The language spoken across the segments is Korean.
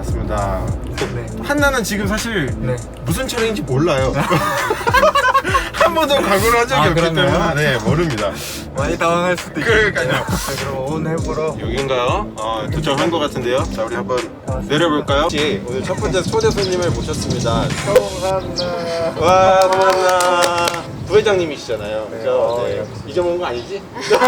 맞습니다. 네. 한나는 지금 사실 네. 무슨 차량인지 몰라요. 한 번도 광고를 한 적이 아, 없기 그런가요? 때문에 네, 모릅니다. 많이 당황할 수도 있고. 그러니까요. 자, 그럼 온 해보러. 여긴가요? 도착한 것 같은데요. 자, 우리 한번 내려볼까요? 오늘 첫 번째 초대 손님을 모셨습니다. 성한나. 와, 고맙나. 부회장님이시잖아요. 네, 그죠? 네. 역시. 잊어먹은 거 아니지?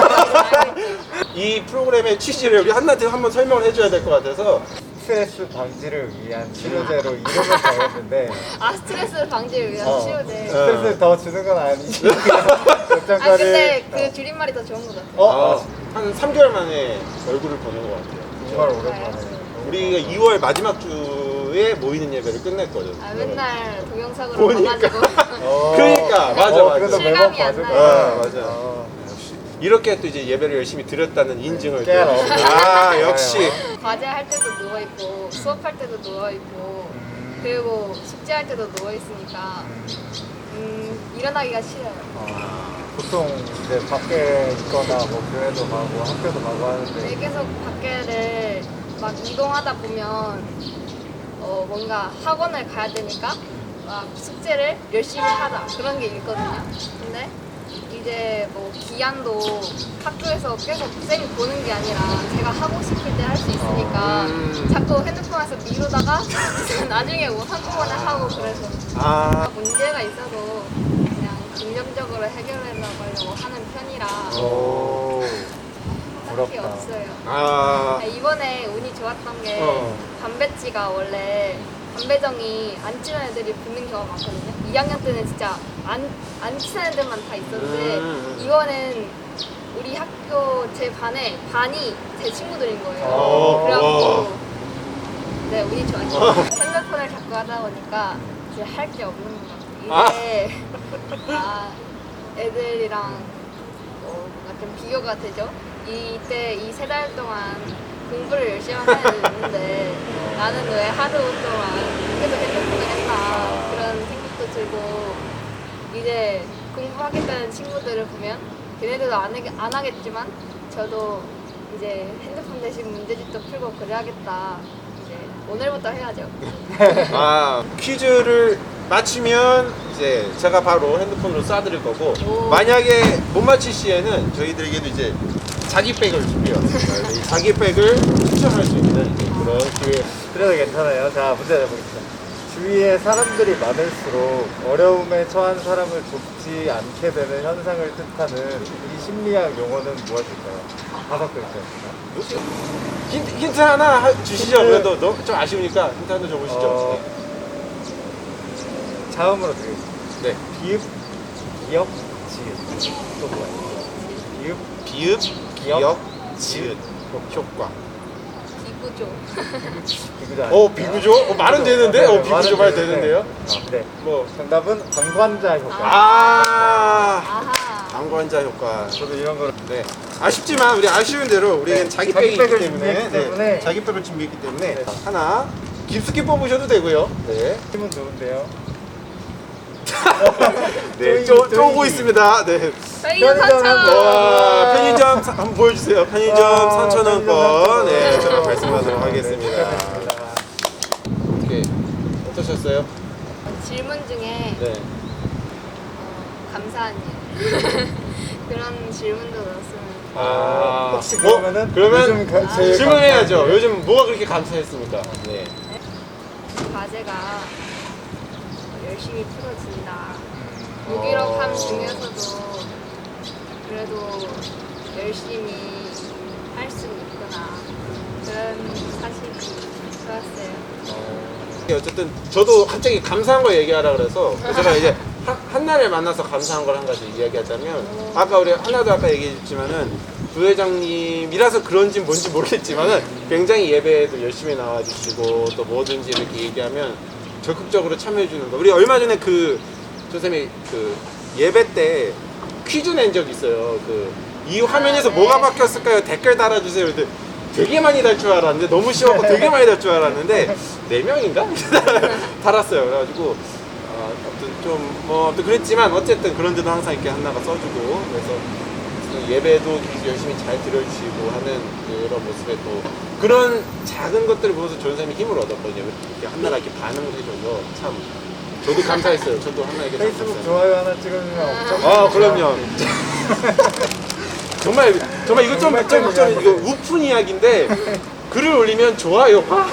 이 프로그램의 취지를 우리 한나한테 한번 설명을 해줘야 될 것 같아서. 스트레스 방지를 위한 치료제로 이름을 정했는데 아, 스트레스 방지를 위한 치료제. 스트레스 더 주는 건 아니지. 아, 걱정거리. 근데 그 줄임말이 더 좋은 것 같아요. 한 3개월 만에 얼굴을 보는 것 같아요. 정말 오랜만에. 우리가 2월 마지막 주에 모이는 예배를 끝냈거든. 아, 맨날 동영상으로 보니까. 봐가지고. 그러니까, 맞아, 맞아. 그래도 매번 실감이 안 봐줄 나요. 거야. 맞아. 역시. 이렇게 또 이제 예배를 열심히 드렸다는 인증을. 깨알 또. 없네. 아, 역시. 과제할 때도 누워있고, 수업할 때도 누워있고, 그리고 숙제할 때도 누워있으니까, 일어나기가 싫어요. 보통 이제 밖에 있거나 뭐 교회도 가고 학교도 가고 하는데 근데 계속 밖에를 막 이동하다 보면, 뭔가 학원을 가야 되니까, 막 숙제를 열심히 하자. 그런 게 있거든요. 근데 이제 뭐 기한도 학교에서 계속 쌤이 보는 게 아니라 제가 하고 싶을 때 할 수 있으니까 자꾸 핸드폰에서 미루다가 나중에 뭐 한꺼번에 하고 그래서 문제가 있어도 그냥 긍정적으로 해결해 나가려고 하는 편이라 딱히 부럽다. 없어요. 이번에 운이 좋았던 게 담배찌가 원래 담배정이 안 친한 애들이 붙는 경우가 많거든요. 2학년 때는 진짜 안 친한 애들만 다 있었는데 이번엔 우리 학교 제 반에 반이 제 친구들인 거예요. 그래갖고 네, 운이 좋았어요. 핸드폰을 자꾸 하다 보니까 이제 할 게 없는 것 같아요. 이제 애들이랑 뭔가 좀 비교가 되죠. 이때 이 3달 동안 공부를 열심히 하는 애들 있는데 나는 왜 하루 동안 계속 핸드폰을 했나 그런 생각도 들고 이제 공부하겠다는 친구들을 보면 걔네들도 안 하겠지만 저도 이제 핸드폰 대신 문제집도 풀고 그래야겠다. 이제 오늘부터 해야죠. 퀴즈를 맞히면 이제 제가 바로 핸드폰으로 쏴드릴 거고 오. 만약에 못 맞힐 시에는 저희들에게도 이제 자기백을 준비해왔습니다. 이 자기백을 추첨할 수 있는 이제 그런 기회. 그래도 괜찮아요. 자, 문제 내보겠습니다. 주위에 사람들이 많을수록 어려움에 처한 사람을 돕지 않게 되는 현상을 뜻하는 이 심리학 용어는 무엇일까요? 5글자입니다. 힌트 하나 주시죠. 그래도 좀 아쉬우니까 힌트 하나 줘보시죠. 자음으로 드리겠습니다. 네. 비읍, 기역, 지읒. 또 뭐예요? 비읍, 비읍, 지읒, 효과. 비구조. 비구조. 비구조? 말은 되는데? 비구조 말 되는데요? 네. 뭐. 정답은 방관자 효과. 아하. 방관자 효과. 저도 이런 거를. 네. 아쉽지만 우리 아쉬운 대로 우리는 네. 자기백이 있기 자기백을 때문에, 준비했기 때문에. 자기백을 준비했기 때문에 네. 하나 깊숙이 뽑으셔도 되고요. 네. 힘은 좋은데요. 네. 쪼이기. 쪼고 있습니다. 네. 저희는 편의점 3,000원. 와, 편의점 한번 보여주세요. 편의점 3,000원권. 네, 편의점 제가 3,000원. 말씀하도록 네, 하겠습니다. 축하드립니다. 어떻게 어떠셨어요? 질문 중에 네. 감사한 일 그런 질문도 넣었으면 혹시 그러면은 그러면 요즘 제일 질문해야죠. 감사한 일? 요즘 뭐가 그렇게 감사했습니까? 네. 과제가 열심히 풀어진다. 무기력함 중에서도 그래도 열심히 할 수 있구나. 그런 사실이 좋았어요. 어쨌든 저도 갑자기 감사한 거 얘기하라 그래서 제가 이제 한나를 만나서 감사한 걸 한 가지 이야기하자면 아까 우리 한나도 아까 얘기했지만은 부회장님이라서 그런지 뭔지 모르겠지만은 굉장히 예배에도 열심히 나와주시고 또 뭐든지 이렇게 얘기하면 적극적으로 참여해주는 거. 우리 얼마 전에 그 선생님이 그 예배 때 퀴즈 낸 적이 있어요. 이 화면에서 네. 뭐가 바뀌었을까요? 댓글 달아주세요. 근데 되게 많이 달 줄 알았는데 너무 쉬웠고 되게 많이 달 줄 알았는데 4명인가? 달았어요. 그래가지고 아무튼 좀 뭐 또 그랬지만 어쨌든 그런 데도 항상 이렇게 한나가 써주고 그래서 예배도 계속 열심히 잘 들어주시고 하는 그런 모습에 또 그런 작은 것들을 보면서 전사님이 힘을 얻었거든요. 이렇게 한나가 이렇게 반응을 해줘서 참 저도 감사했어요. 저도 한나에게 참 페이스북 감사해요. 좋아요 하나 찍으면 엄청. 아 그럼요. 정말 이거 좀 이거 우픈 이야기인데 글을 올리면 좋아요가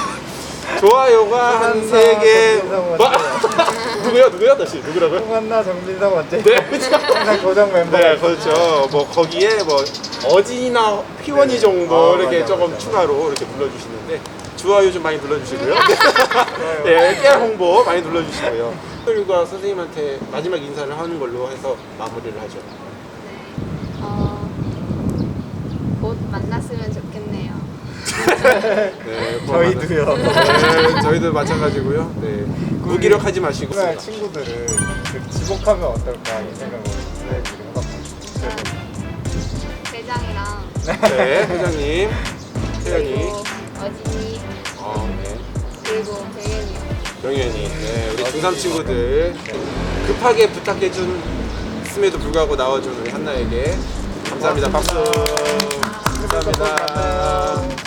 한 3개 누구요? 다시 누구라고요? 홍한나 정민성 원재. 네. 항상 고정 멤버. 네, 그렇죠. 뭐 거기에 뭐 어진이나 휘원이 네. 정도 아, 이렇게 맞아, 조금 맞아. 추가로 이렇게 눌러주시는데 좋아요 좀 많이 눌러주시고요. 네, 깨알 홍보 많이 눌러주시고요. 선생님과 선생님한테 마지막 인사를 하는 걸로 해서 마무리를 하죠. 곧 만났으면 좋겠네요. 네, 저희도요. 네, 저희도 마찬가지고요. 네, 무기력하지 마시고. 정말 친구들을 그 지목하면 어떨까 이 생각을 해봤거든요. 대장이랑 네, 회장님, 태연이, 그리고 어진이 네, 그리고 병현이요. 병현이, 네, 우리 중3 친구들 급하게 부탁해줌에도 불구하고 나와준 우리 한나에게 감사합니다. 박수. 감사합니다.